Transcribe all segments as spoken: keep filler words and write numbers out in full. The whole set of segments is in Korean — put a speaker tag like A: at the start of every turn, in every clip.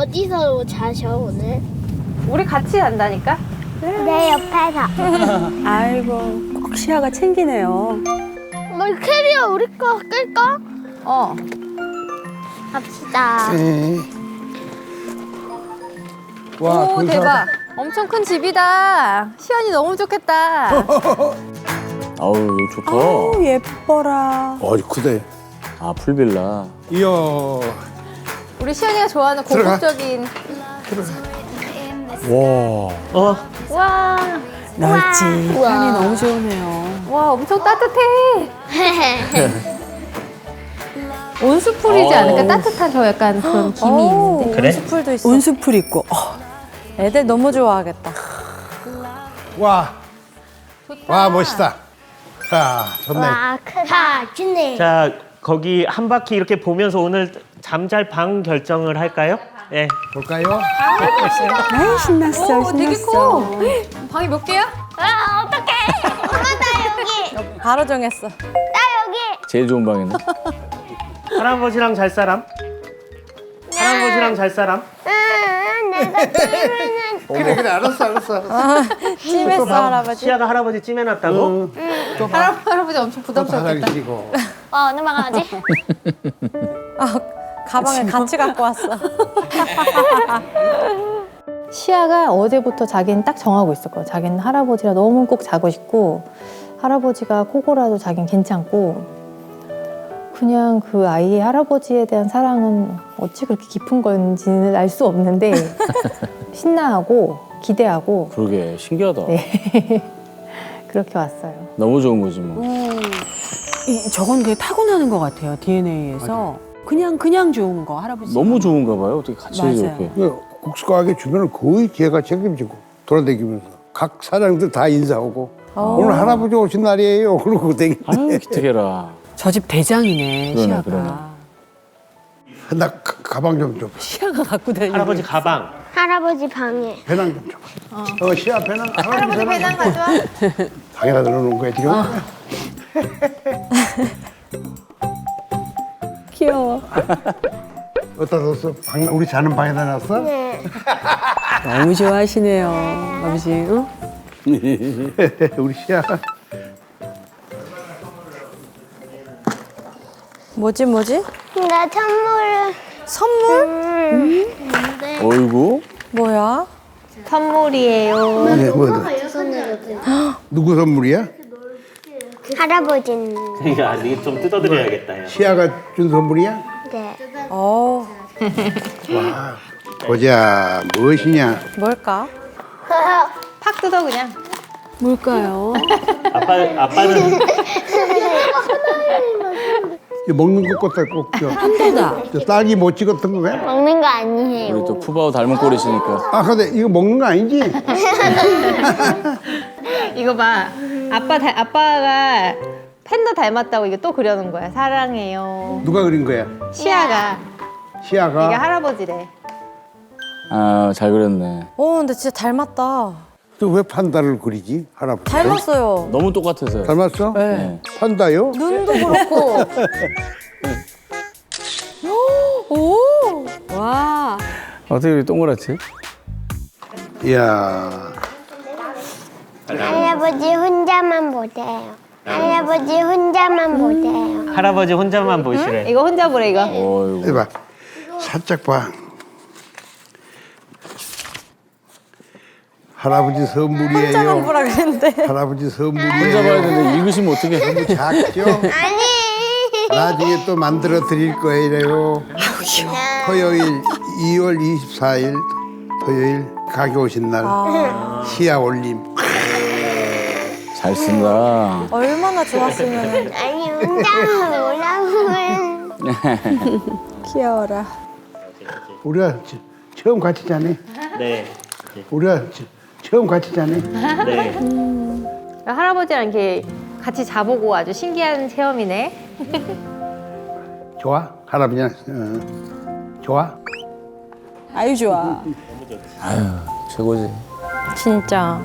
A: 어디서 자셔 오늘?
B: 우리 같이 간다니까?
A: 내 옆에서.
C: 아이고, 꼭 시아가 챙기네요.
A: 뭐 캐리어 우리 거 끌까?
B: 어.
A: 갑시다.
D: 네. 와,
B: 오,
D: 근사하다.
B: 대박. 엄청 큰 집이다. 시연이 너무 좋겠다.
E: 아우 이거 좋다.
C: 아우, 예뻐라.
D: 어, 크대.
E: 아 풀빌라.
D: 이야.
B: 우리 시연이가 좋아하는
D: 들어가.
B: 고급적인.
E: 와.
B: 와,
C: 넓지.
A: 우와.
C: 편이 너무 좋으네요.
B: 와, 엄청 따뜻해. 온수풀이지
E: 어.
B: 않을까? 따뜻한 저 약간 그런 김이 있는데.
E: 그래?
B: 온수풀도 있어.
C: 온수풀 있고. 어, 애들 너무 좋아하겠다.
D: 와. 와, 멋있다. 아, 좋네.
A: 와, 크다. 좋네.
F: 자, 거기 한 바퀴 이렇게 보면서 오늘 잠잘 방 결정을 할까요? 예.
D: 볼까요?
C: 아이, 신났어,
B: 오, 되게
C: 신났어.
B: 커. 방이 몇 개야?
A: 아, 어떡해. 엄마, 나 여기.
C: 바로 정했어.
A: 나 여기.
E: 제일 좋은 방이네.
F: 할아버지랑 잘 사람? 할아버지랑 잘 사람?
A: 응, 내가 찌면은.
D: 그래, 그래, 알았어, 알았어. 알았어.
C: 찜했어, 할아버지.
F: 시아가 할아버지 찜해놨다고?
D: 또 봐.
B: 할아- 할아버지 엄청
D: 또 바닥
B: 부담스럽겠다.
D: 치고.
A: 어, 어느 방 가지?
C: 아, 가방에 같이 갖고 왔어.
B: 시아가 어제부터 자기는 딱 정하고 있었거든. 자기는 할아버지랑 너무 꼭 자고 싶고 할아버지가 코골아도 자기는 괜찮고 그냥 그 아이의 할아버지에 대한 사랑은 어찌 그렇게 깊은 건지는 알 수 없는데 신나하고 기대하고
E: 그러게 신기하다.
B: 네. 그렇게 왔어요.
E: 너무 좋은 거지 뭐.
C: 이, 저건 되게 타고나는 것 같아요, 디엔에이에서. 그냥, 그냥 좋은 거, 할아버지.
E: 너무 좋은가 봐요. 어떻게 같이
C: 맞아요.
E: 이렇게.
D: 그 국수가게 주변을 거의 걔가 책임지고 돌아다니면서 각 사장들 다 인사하고 오늘 할아버지 오신 날이에요. 그러고 되게
E: 아유 기특해라.
C: 저 집 대장이네,
E: 그러네,
C: 시아가.
E: 그러네.
D: 나 가, 가방 좀 줘.
C: 시아가 갖고 다니는
F: 할아버지 가방.
A: 할아버지 방에.
D: 배낭 좀 줘. 어, 시아 배낭. 할아버지 배낭.
B: 가져와.
D: 방에다 넣어놓은 거야 지금.
C: 귀여워.
D: 어디다 뒀어? 방, 우리 자는 방에다 놨어?
A: 네.
C: 너무 좋아하시네요, 아버지. 응?
D: 우리 시아.
C: 뭐지, 뭐지?
A: 나 선물을.
C: 선물?
A: 음. 근데
E: 어이구.
C: 뭐야?
B: 선물이에요.
D: 네, 뭐, 누구 선물이야?
A: 할아버지는.
F: 야, 이게 좀 뜯어드려야겠다. 야.
D: 시아가 준 선물이야?
A: 네.
C: 어,
D: 와. 보자, 무엇이냐?
C: 뭘까?
B: 팍 뜯어 그냥.
C: 뭘까요?
F: 아빠, 아빠는
D: 이거 먹는 것 같다 꼭 줘.
C: 한도다.
D: 저 딸기 못 찍었던 거야?
A: 먹는 거 아니에요.
E: 우리 또 푸바오 닮은 꼴이시니까.
D: 아 근데 이거 먹는 거 아니지?
B: 이거 봐. 아빠 닮- 아빠가 팬더 닮았다고 이게 또 그려놓은 거야. 사랑해요.
D: 누가 그린 거야?
B: 시아가.
D: 시아가?
B: 이게 할아버지래.
E: 아 잘 그렸네.
C: 어, 근데 진짜 닮았다.
D: 또 왜 판다를 그리지? 할아버지.
C: 닮았어요.
E: 너무 똑같아서요.
D: 닮았어?
C: 네.
D: 판다요?
C: 눈도 그렇고. 오! 와.
E: 어떻게 이렇게 동그랗지?
D: 이야.
A: 할아버지 혼자만 보세요. 할아버지 혼자만 보세요.
F: 할아버지 혼자만 보시래.
B: 이거 혼자 보래 이거.
E: 어이구.
D: 해봐. 살짝 봐. 할아버지 선물이에요.
C: 혼자만 보라 그랬는데.
D: 할아버지 선물이에요.
E: 혼자 봐야 되는데 읽으시면 어떻게?
D: 작죠?
A: 아니.
D: 나중에 또 만들어 드릴 거예요. 토요일 이월 이십사일 토요일 가게 오신 날 시야 올림.
E: 잘 쓴다.
C: 얼마나 좋았으면.
A: 아니 혼자만 오라고.
C: 귀여워라.
D: 우리가 저- 처음 같이 자네.
F: 네.
D: 우리가 저- 처음 같이 자네.
F: 네.
B: 할아버지랑 이렇게 같이 자보고 아주 신기한 체험이네.
D: 좋아? 할아버지랑 어. 좋아?
C: 아유, 좋아.
E: 아유 최고지.
B: 진짜.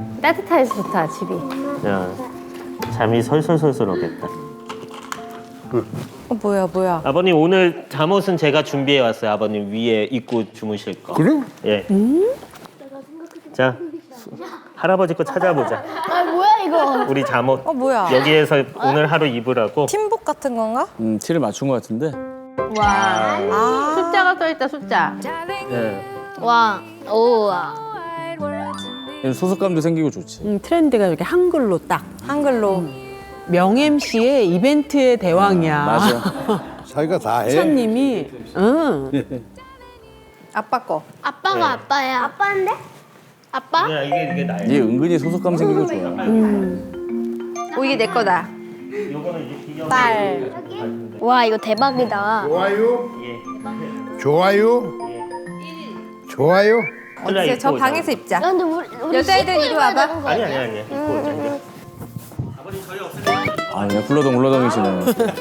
B: 따뜻해서 좋다 집이.
F: 야, 잠이 솔솔솔솔 오겠다.
C: 어, 뭐야 뭐야.
F: 아버님 오늘 잠옷은 제가 준비해 왔어요. 아버님 위에 입고 주무실 거.
D: 그래?
F: 예. 자, 수- 할아버지 거 찾아보자.
A: 아 뭐야 이거?
F: 우리 잠옷.
C: 어 뭐야.
F: 여기에서 오늘 하루 입으라고.
C: 팀복 같은 건가?
E: 음, 티를 맞춘 것 같은데.
B: 와
C: 아.
B: 숫자가 써 있다 숫자.
F: 예.
A: 와, 오와.
E: 이런 소속감도 생기고 좋지.
C: 음, 트렌드가 이렇게 한글로 딱. 한글로. 명 엠씨의 이벤트의 대왕이야.
E: 맞아.
D: 자기가 다 해.
C: 사님이. 응.
B: 아빠 거.
A: 아빠가 아빠야. 아빠인데? 아빠?
F: 그냥 이게 이게 나예요.
E: 얘 은근히 소속감 생기고 좋아.
B: 오 이게 내 거다.
F: 요거는 이제 기념.
B: 딸.
A: 와 이거 대박이다.
D: 좋아요.
F: 예.
D: 좋아요. 좋아요.
F: 어디서
B: 저 방에서 입자.
A: 야, 근데 우리, 우리
B: 여자애들
A: 씻고
B: 이리
A: 입어야
B: 와봐.
A: 되는 거
F: 아니
A: 아니야?
F: 아니 아니. 입고 오자. 아버님 저희 없을 때.
E: 아, 그냥 굴러덩 굴러덩이시네.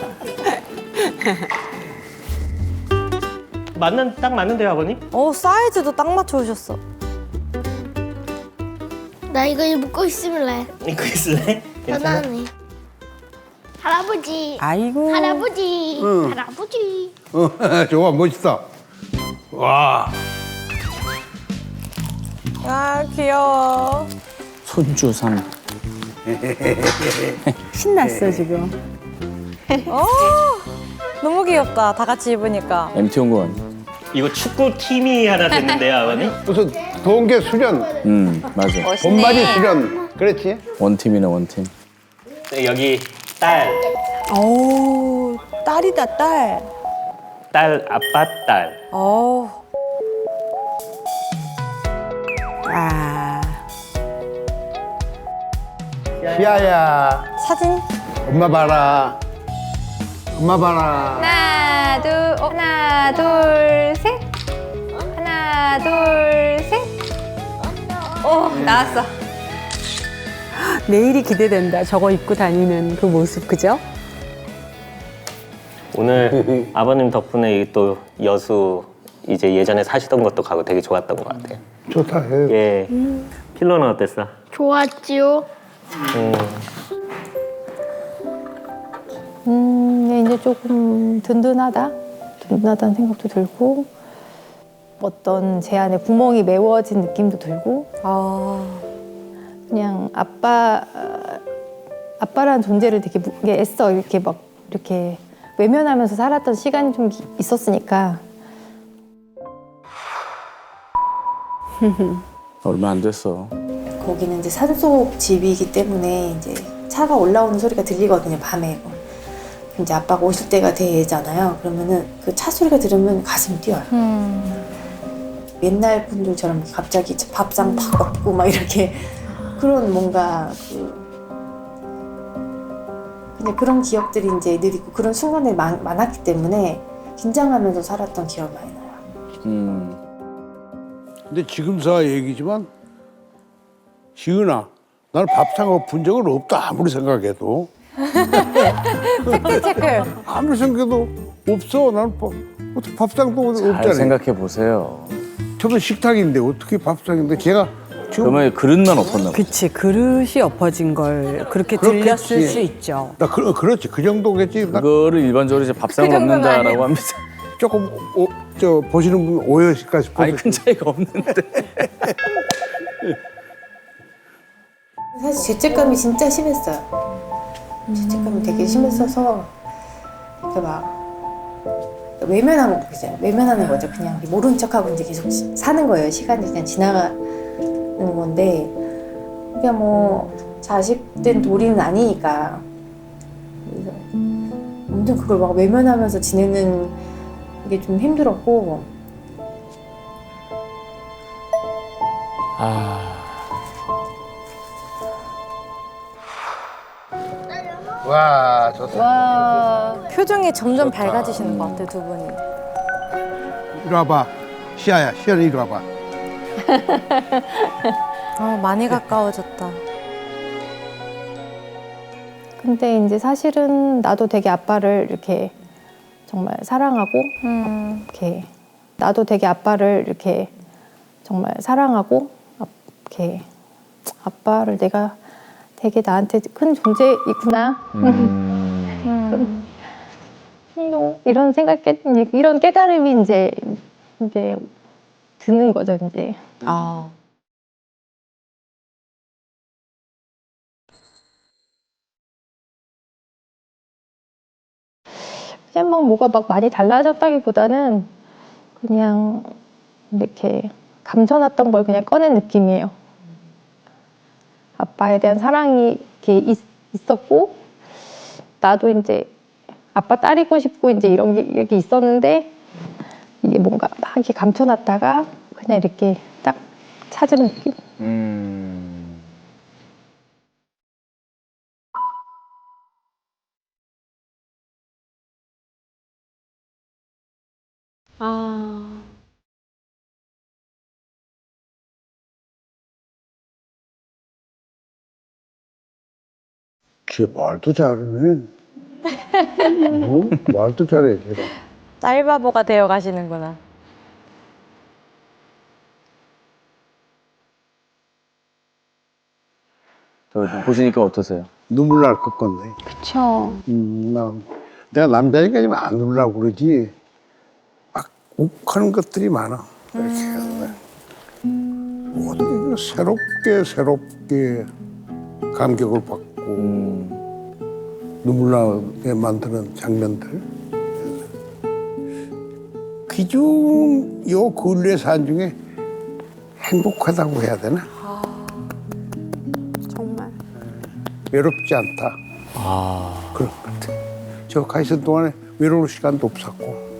F: 맞는 딱 맞는데요, 아버님?
G: 어 사이즈도 딱 맞춰 오셨어.
A: 나 이거 입고 있을래.
F: 이거 있을래? 괜찮아?
A: 편하네. 할아버지.
C: 아이고.
A: 할아버지.
D: 응.
A: 할아버지.
D: 어, 좋아, 멋있다. 와.
G: 아 귀여워.
E: 손주 삼.
C: 신났어 지금.
G: 어 너무 귀엽다. 다 같이 입으니까.
E: 엠티 온 거 아니야?
F: 이거 축구 팀이 하나 됐는데요, 아버님?
D: 무슨 동계 수련,
E: 음, 맞아.
D: 본바디 수련. 그렇지?
E: 원팀이네, 원팀.
F: 네, 여기 딸,
C: 오 딸이다 딸.
F: 딸, 아빠, 딸.
G: 어
C: 아.
D: 시아야,
G: 사진.
D: 엄마 봐라. 엄마 봐라.
B: 하나 둘 어, 하나 둘 셋. 하나 둘 셋. 오 나왔어.
C: 내일이 기대된다. 저거 입고 다니는 그 모습 그죠?
F: 오늘 아버님 덕분에 이또 여수 이제 예전에 사시던 것도 가고 되게 좋았던 것 같아요.
D: 좋다. 해.
F: 예. 필로는 어땠어?
A: 좋았지요.
F: 음,
B: 음 이제 조금 든든하다. 든든하다는 생각도 들고 어떤 제 안에 구멍이 메워진 느낌도 들고
G: 아
B: 그냥 아빠 아빠라는 존재를 되게 무- 이게 애써 이렇게 막 이렇게 외면하면서 살았던 시간이 좀 기- 있었으니까
E: 얼마 안 됐어.
H: 거기는 이제 산속 집이기 때문에 이제 차가 올라오는 소리가 들리거든요, 밤에. 이제 아빠가 오실 때가 되잖아요. 그러면은 그 차 소리가 들으면 가슴이 뛰어요. 옛날 분들처럼 갑자기 밥상 팍 엎고 막 이렇게 그런 뭔가 그 그냥 그런 기억들이 이제 늘 있고 그런 순간들이 많, 많았기 때문에 긴장하면서 살았던 기억이 많이 나요.
E: 음.
D: 근데 지금서 얘기지만, 지은아, 나는 밥상 엎은 적은 없다. 아무리 생각해도.
G: 팩트 체크.
D: 아무리 생각해도 없어. 나는 밥, 어떻게 밥상도
E: 잘
D: 없잖아요.
E: 생각해 보세요.
D: 저는 식탁인데 어떻게 밥상인데 제가 지금
E: 그러면 그릇만 엎었나 봐.
C: 그치 그릇이 엎어진 걸 그렇게
D: 그렇겠지.
C: 들렸을 수 있죠.
D: 나 그, 그렇지 그 정도겠지. 나
E: 그거를 일반적으로 이제 밥상을 엎는다라고 합니다.
D: 조금 오, 저 보시는 분 오해하실까 싶어서.
E: 아니, 큰 차이가 없는데.
H: 사실 죄책감이 진짜 심했어요. 죄책감이 되게 심했어서 이렇게 막 외면한 거 있어요. 외면하는 거죠. 그냥 모른 척하고 이제 계속 시- 사는 거예요. 시간이 그냥 지나가는 건데 그냥 뭐 자식된 도리는 아니니까 그래서 엄청 그걸 막 외면하면서 지내는 게 좀 힘들었고
E: 아,
D: 와 좋다.
G: 표정이 점점 밝아지시는 것 같아 두 분이.
D: 이리 와봐. 시아야, 시아는 이리 와봐.
G: 아 많이 가까워졌다.
B: 근데 이제 사실은 나도 되게 아빠를 이렇게 정말 사랑하고
G: 음.
B: 이렇게 나도 되게 아빠를 이렇게 정말 사랑하고 아- 이렇게 아빠를 내가 되게 나한테 큰 존재이구나.
E: 음.
B: 음, 이런 생각, 깨, 이제 이런 깨달음이 이제 이제 드는 거죠, 이제.
C: 아.
B: 그냥 막 뭐가 막 많이 달라졌다기보다는 그냥 이렇게 감춰놨던 걸 그냥 꺼낸 느낌이에요. 아빠에 대한 사랑이 이렇게 있, 있었고, 나도 이제 아빠 딸이고 싶고 이제 이런 게 이렇게 있었는데, 이게 뭔가 막 이렇게 감춰놨다가 그냥 이렇게 딱 찾은 느낌?
E: 음.
C: 아.
D: 걔 말도 잘하네. 어? 말도 잘해, 걔가.
G: 쌀바보가 되어 가시는구나.
E: 저 보시니까 어떠세요?
D: 눈물 날 것 건데.
C: 그쵸.
D: 음, 나, 내가 남자니까 좀 안 울라고 그러지. 막 욱하는 것들이 많아. 모든 게 새롭게 새롭게 감격을 받고
E: 음.
D: 눈물 나게 만드는 장면들. 그중 요 근래 산 중에 행복하다고 해야 되나?
G: 정말.
D: 외롭지 않다.
E: 아.
D: 그런 것 같아. 저 가 있을 동안에 외로울 시간도 없었고.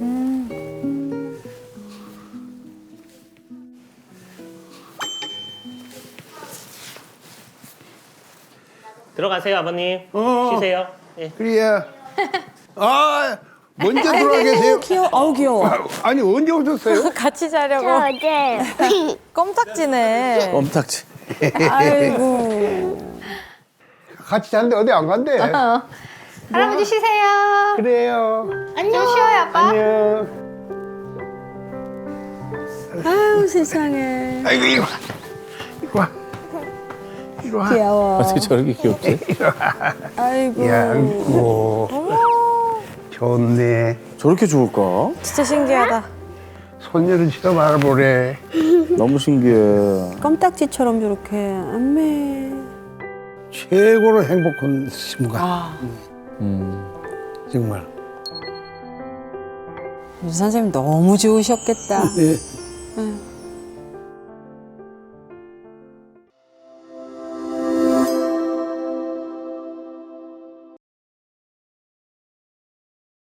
F: 들어가세요, 아버님.
D: 어.
F: 쉬세요. 예.
D: 그래야. 아, 먼저 들어와 계세요.
C: 귀여워. 아우 귀여워.
D: 아, 아니, 언제 오셨어요?
G: 같이 자려고.
A: 저 어제
G: 껌딱지네.
E: 껌딱지.
C: 아이고.
D: 같이 자는데 어디 안 간대.
A: 할아버지 쉬세요.
D: 그래요.
A: 안녕. 쉬어요, 아빠.
D: 안녕.
C: 아유 세상에.
D: 아이고, 이리 와. 이리 와. 이리 와.
C: 귀여워.
E: 어떻게 저렇게 귀엽지?
C: 아이고.
D: 야, 아이고. 좋네.
E: 저렇게 좋을까?
G: 진짜 신기하다.
D: 손녀를 실어 말아보래.
E: 너무 신기해.
C: 껌딱지처럼 저렇게 안매.
D: 최고로 행복한 순간.
C: 아.
E: 음.
D: 정말.
C: 유 선생님 너무 좋으셨겠다.
D: 예.
C: 응.